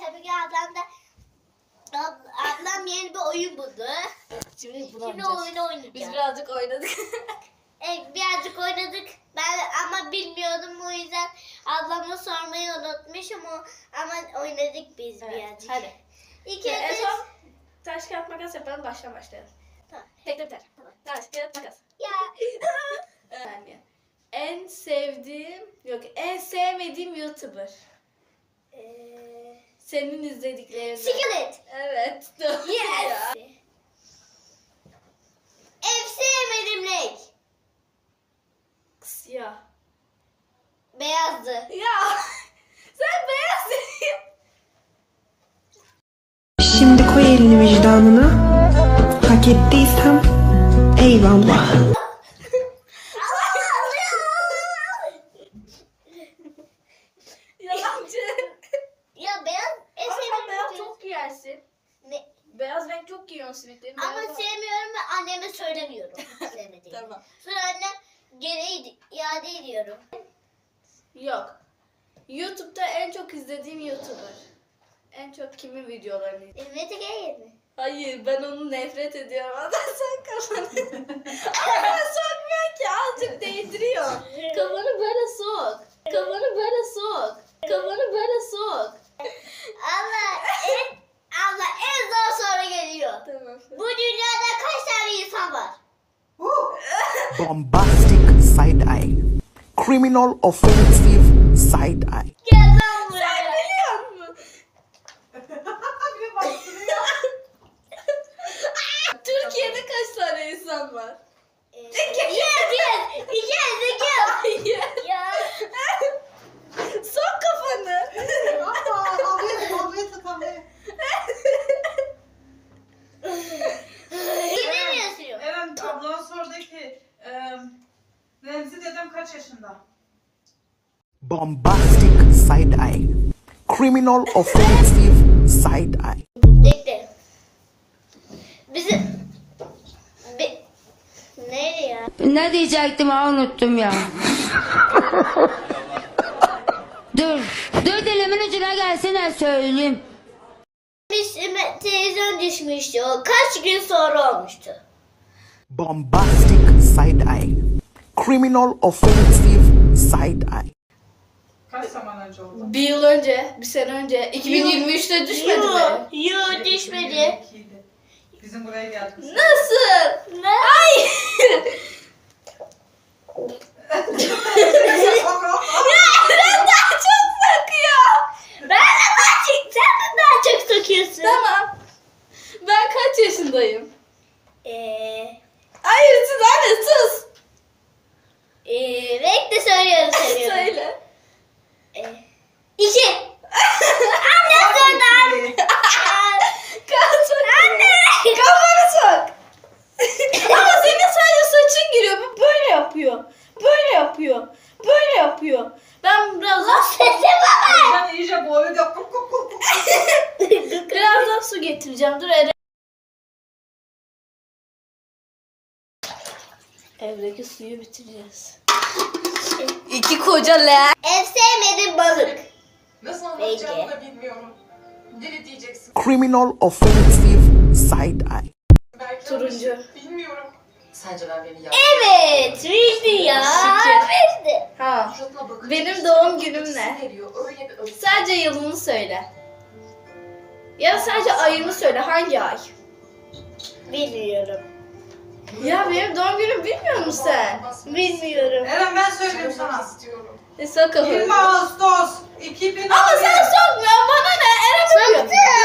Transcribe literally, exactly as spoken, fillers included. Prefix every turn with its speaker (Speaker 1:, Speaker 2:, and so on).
Speaker 1: tabii ki ablam da ab- ablam yeni bir oyun buldu.
Speaker 2: Şimdi bunu
Speaker 1: Şimdi
Speaker 2: oynayacağız.
Speaker 1: oyunu oynayacağız.
Speaker 2: Biz birazcık oynadık.
Speaker 1: Evet, birazcık oynadık. Ben ama bilmiyordum, o yüzden ablama sormayı unutmuşum o, ama oynadık biz
Speaker 2: Evet,
Speaker 1: birazcık.
Speaker 2: hadi.
Speaker 1: İlk
Speaker 2: en
Speaker 1: önce
Speaker 2: son taş kağıt makas yapalım, baştan başlayalım.
Speaker 1: Tamam.
Speaker 2: Tekrar biter. Taş kağıt makas.
Speaker 1: Ya
Speaker 2: Yani en sevdiğim, yok en sevmediğim YouTuber.
Speaker 1: eee
Speaker 2: Senin izlediklerin.
Speaker 1: Skillet.
Speaker 2: Evet. Doğru ya.
Speaker 1: Yes. En sevmediğim renk
Speaker 2: Siyah.
Speaker 1: beyazdı.
Speaker 2: Ya sen beyaz seviyorsun.
Speaker 3: Şimdi koy elini vicdanına. Hak ettiysem eyvallah.
Speaker 2: Yalancı.
Speaker 1: Ya beyaz en
Speaker 2: Ama sen
Speaker 1: sevmediğim
Speaker 2: beyaz
Speaker 1: renk.
Speaker 2: çok giyersin.
Speaker 1: Ne?
Speaker 2: Beyaz renk çok giyiyorsun simitlerin.
Speaker 1: Ama
Speaker 2: Beyaz-
Speaker 1: sevmiyorum ve anneme söylemiyorum sevmediğimi.
Speaker 2: Tamam.
Speaker 1: Sonra annem geri iade ediyorum.
Speaker 2: Yok. YouTube'da en çok izlediğim YouTuber. En çok kimin videolarını izliyorsun?
Speaker 1: Mete Geyir mi?
Speaker 2: Hayır, ben onu nefret ediyorum. Adam sen kafanı. Ama ben sokmuyor ki, azıcık değdiriyor. Kafanı böyle sok. Kafanı böyle sok. Kafanı böyle sok.
Speaker 1: Allah en Allah en zor soru geliyor.
Speaker 2: Tamam.
Speaker 1: Bu dünyada kaç tane insan var?
Speaker 3: Bombastic side eye. Criminal offensive side eye.
Speaker 1: Gel lan buraya.
Speaker 2: Sen biliyor musun? Türkiye'de kaç tane insan var?
Speaker 1: Ee, Yes yes. Yes yes.
Speaker 2: Hayır.
Speaker 1: Ya.
Speaker 2: Sok kafanı.
Speaker 1: Yine mi yazıyor?
Speaker 4: Eren ablana sordu ki e, Remzi dedem kaç yaşında?
Speaker 3: Bombastic side eye. Criminal offensive side eye.
Speaker 1: Bekle. Bizim... Be... Nereye ya?
Speaker 5: Ne diyecektim ha unuttum ya. Dur. Dur dilimin ucuna gelsene söyleyeyim.
Speaker 1: Biz televizyon düşmüştü o. Kaç gün sonra olmuştu?
Speaker 3: Bombastic side eye. Criminal offensive side eye.
Speaker 4: Kaç zaman önce oldu?
Speaker 2: Bir yıl önce, bir sene önce, iki bin yirmi üçte düşmedi mi?
Speaker 1: Yok düşmedi.
Speaker 4: iki bin yirmi ikiydi. Bizim buraya geldik.
Speaker 2: Nasıl?
Speaker 1: Ne?
Speaker 2: Hayır. Eren daha çok sakıyor.
Speaker 1: Ben de daha çok, sen de daha çok sokuyorsun.
Speaker 2: Tamam. Ben kaç yaşındayım?
Speaker 1: Eee...
Speaker 2: Hayır siz anne sus.
Speaker 1: Eee... Renk de söylüyorum söylüyorum.
Speaker 2: Söyle.
Speaker 1: Eee... İki. Anne sordu.
Speaker 2: Kaç
Speaker 1: Anne.
Speaker 2: Kafanı sok. Ama senin sadece saçın giriyor. Bu böyle yapıyor. Böyle yapıyor. Böyle yapıyor. Ben biraz daha
Speaker 1: Sesi baba.
Speaker 4: Sen iyice boyu da kuk kuk kuk.
Speaker 2: biraz daha su getireceğim. Dur Eren. Evdeki suyu bitireceğiz. İki koca le.
Speaker 1: En sevmediğim balık.
Speaker 6: Nasıl anlatacağımı da bilmiyorum. Deli diyeceksin.
Speaker 3: Criminal offensive side eye.
Speaker 6: Belki
Speaker 2: Turuncu.
Speaker 6: yanlış. Bilmiyorum. Sence ben beni yaptım.
Speaker 1: Evet. Bildi ya.
Speaker 2: Şükür.
Speaker 1: Bildi.
Speaker 2: Ha.
Speaker 6: Suratına bakınca
Speaker 2: Benim
Speaker 6: işte
Speaker 2: doğum günüm
Speaker 6: ötesi
Speaker 2: ne?
Speaker 6: Veriyor. Öyle bir ötesi.
Speaker 2: Sadece yılını söyle. Ya da sadece ayını söyle. Hangi ay?
Speaker 1: Bilmiyorum.
Speaker 2: Ya benim doğum günüm bilmiyor musun sen?
Speaker 1: Bilmiyorum.
Speaker 4: Eren ben söyleyeyim
Speaker 6: Söylemek
Speaker 4: sana.
Speaker 6: istiyorum.
Speaker 2: E sok kafanı.
Speaker 4: yirmi Ağustos iki bin on bir.
Speaker 2: Ama sen sokmuyorsun bana ne? Eren yapıyor.
Speaker 1: Soktum.